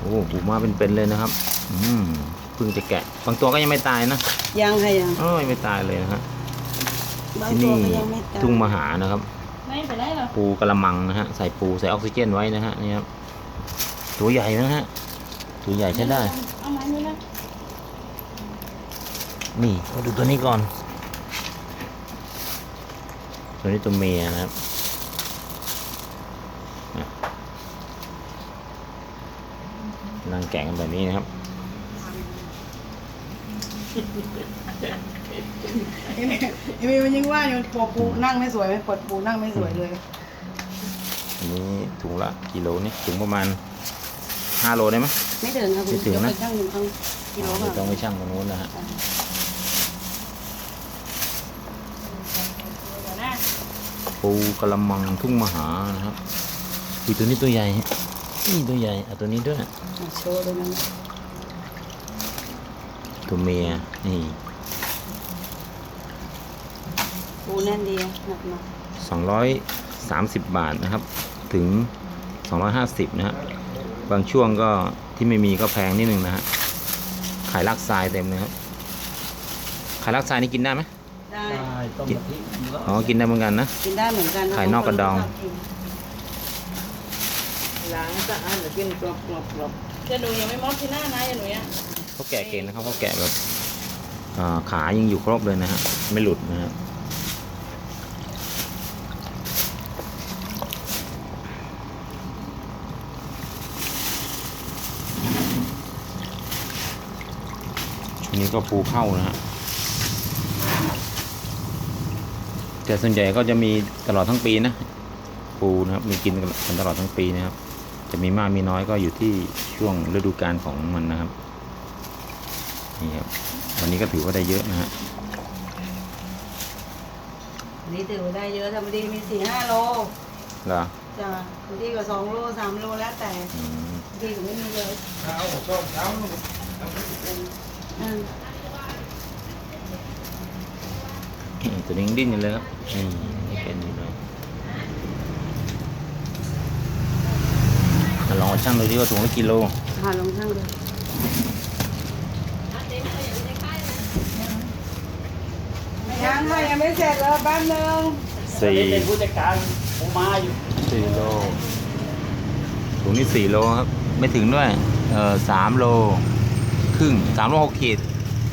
อ้ปูมาเป็นเลยนะครับเพิ่งจะแกะบางตัวก็ยังไม่ตายนะยังค่ะยังไม่ตายเลยนะฮะที่นี่ทุ่งมหานะครับไม่ไปได้หรอปูกระมังนะฮะใส่ปูใส่ออกซิเจนไว้นะฮะนี่ครับตัวใหญ่นะฮะตัวใหญ่ใช้ได้เอาไม้นี่นะนี่มาดูตัวนี้ก่อนตัวนี้ตัวเมียนะครับนั่งแกะกันแบบนี้นะครับไอ้เมย์มันยังว่าอยู่ปวดปูนั่งไม่สวยไหมปวดปูนั่งไม่สวยเลยอันนี้ถุงละกิโลนี่ถุงประมาณ5 โลได้ไหมไม่ถึงครับไม่ถึงนะช่างหนึ่งต้องกิโลค่ะต้องไปช่างตรงนู้นนะฮะปูกระมังทุ่งมหานะครับตัวนี้ตัวใหญ่นี่ตัวใหญ่เอาตัวนี้ด้วยโชว์เลยนะตัวเมียนี่ปูแน่นดีหนัก 230 บาทนะครับถึง250นะฮะบางช่วงก็ที่ไม่มีก็แพงนิดนึงนะฮะขายลักทรายเต็มเลยครับขายลักทรายนี่กินได้ไหมได้กินได้เหมือนกันนะกินได้เหมือนกันขายนอกกระดองล้างสะอาดหรือกินกรอบจะหนูยังไม่มอดที่หน้านะอย่าหนูยังเขาแกะเก่งนะครับเขาแกะแบบขายังอยู่ครบเลยนะฮะไม่หลุดนะฮะอันนี้ก็ปูเข้านะฮะแต่ส่วนใหญ่ก็จะมีตลอดทั้งปีนะปูนะครับมีกินกันตลอดทั้งปีนะครับจะมีมากมีน้อยก็อยู่ที่ช่วงฤดูกาลของมันนะครับนี่ครับวันนี้ก็ถือว่าได้เยอะนะฮะวันนี้ถือว่าได้เยอะธรรมดีมี4-5 โลเหรอจ้ะบางทีก็2 โล 3 โลแล้วแต่บางทีก็ไม่มีเยอะตัวนี้ดิ้นอยู่เลยครับนี่เป็นอยู่เลยลองชั่งดูดิว่าถุงละกิโลลองชั่งดูยังค่ะยังไม่เสร็จเลยแป๊บนึงเป็นผู้จัดการผมมาอยู่ 4 โลถุงนี้4 โลครับไม่ถึงด้วย3 โลครึ่ง3 โล 6 ขีด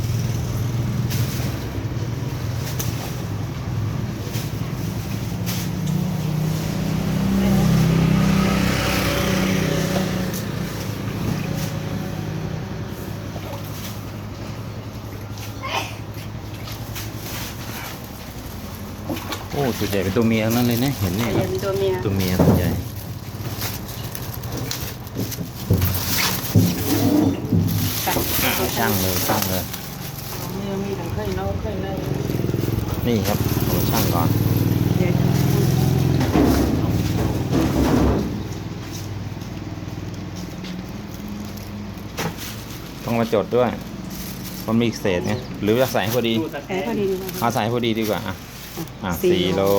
โอ้ส่วนใหญ่เป็นตัวเมียนั่นเลยนะเห็นเนี่ยครับตัวเมียส่วนใหญ่ช่างเลยมีทั้งเคยเล่าเคยเลยนี่ครับเอาช่างก่อนต้องมาจดด้วยมันมีเศษไงหรือจะใส่พอดีเอาใส่พอดีดีกว่า4 โล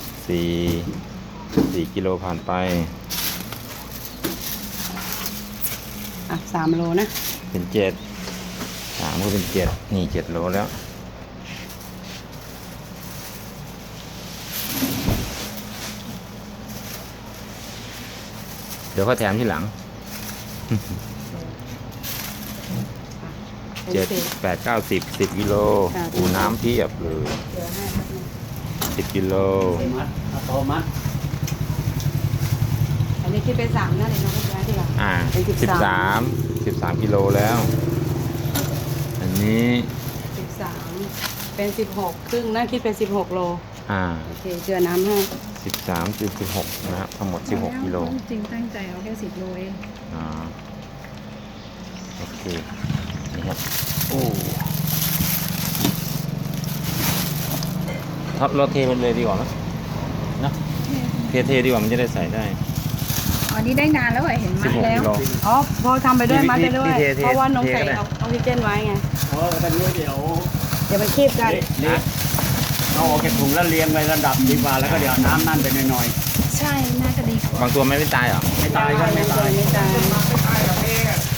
4 กิโลผ่านไป 3 โลนะเป็น7 3ก็เป็น7นี่7 โลแล้วเดี๋ยวเขาแถมที่หลัง7 8 9 10 กิโลปูน้ำเพียบเลย10 กิโลมัดอันนี้คิดเป็น3นะเดี๋ยวน้องย้ายทีหลังเป็น13 กิโลแล้วอันนี้ 13เป็น16ครึ่งนะคิดเป็น16 โลโอเคเจือน้ำให้ 13 16นะครับทั้งหมด16 กิโลจริงตั้งใจเอาแค่10 โลเองโอเคนี่ครับโอ้ท็อปเราเทมันเลยดีกว่าไหมนะเทดีกว่ามันจะได้ใส่ได้อันนี้ได้นานแล้วเห็นมัดแล้วพอทำไปด้วยมัดไปด้วยเพราะว่าน้องใส่ออกซิเจนไว้ไงกันด้วยเดี๋ยวมันคีบกันเอาออกจากถุงแล้วเรียงไประดับดีกว่าแล้วก็เดี๋ยวน้ำนั่นไปหน่อยใช่น่าจะดีกว่าบางตัวไม่ตายเหรอไม่ตายครับไม่ตาย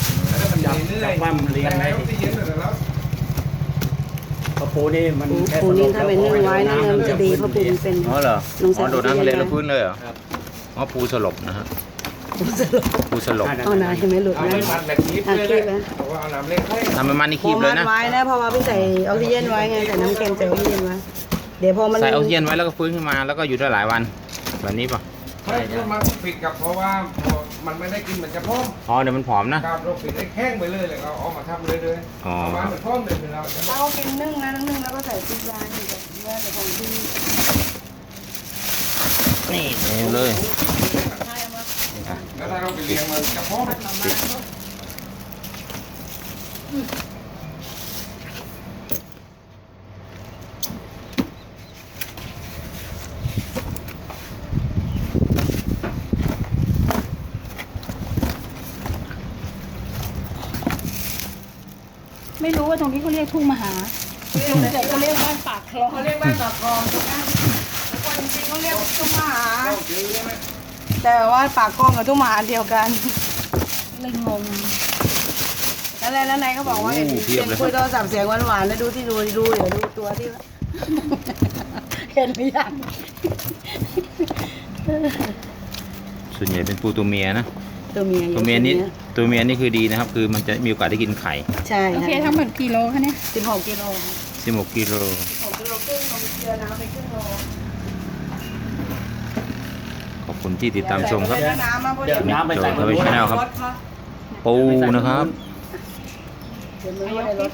มันมีเนื้อจับว่ามันเลี้ยงได้ที่เย็นเลยแล้วเพราะปูนี่มันปูนี่ถ้าเป็นนึ่งไว้นะมันจะดีเพราะปูมันเป็นอ๋อเหรอลงใส่อ๋อโดดน้ำทะเลออกซิเจนแล้วฟื้นเลยเหรออ๋อปูสลบนะฮะปูสลบเอานาเห็นไหมหลุดเอานะไม่มันแบบคีบเลยนะเพราะว่าเอาน้ำเล็กให้ทำประมาณนี้พคีอบเลมัยดนะไว้นะเพราะว่าพี่ใส่ออกซิเจนไว้ไงใส่น้ำเค็มใส่ออกซิเจนไว้เดี๋ยวพอมันใส่ออกซิเจนไว้แล้วก็ฟื้นขึ้นมาแล้วก็อยู่ได้หลายวันแบบนี้ป่ะถ้ามันปิดกับเพราะว่าพอมันไม่ได้กินมันจะพร้อมอ๋อเดี๋ยวมันผอมนะครับเราปิดให้แข้งไปเลยแล้วก็เอามาทำเลยอ๋อเอามาเหมือนพร้อมเลยเราจะเรากินนึ่งนะนึ่งแล้วก็ใส่พริกร้านอยู่กับเนื้อแต่ของที่นี่เองเลยใช่มาแล้วถ้าเราไปเลี้ยงมันจะพร้อมมาม่า ไม่รู้ว่าตรงนี้เขาเรียกทุ่งมหาแต่เขาเรียกบ้านปากคลองเขาเรียกบ้านปากคลองถูกไหมแล้วก็จริงๆเขาเรียกทุ่งมหา แต่ว่าปากกล้องกับทุ่งมหาเดียวกันเลยงงแล้วนายเขาบอกว่าเห็นคุยโทรศัพท์เสียงหวานๆแล้วดูที่ดูเดี๋ยวดูตัวที่ เห็นหรือยังส่วนใหญ่เป็นปูตัวเมียนะตัวเมียตัวเมียนี่คือดีนะครับ คือมันจะมีโอกาสได้กินไข่ใช่โอเคทั้งหมดกี่โลคะเนี่ย 16 กิโล 16 กิโล 6 กิโลครึ่งลงเกลือน้ำไปครึ่งโลขอบคุณที่ติดตามชมครับเดี๋ยวน้ำมาพอดีเดี๋ยวน้ำไปใส่โจทย์ทวีชแนลครับ ปูนะครับเดี๋ยวมือในรถ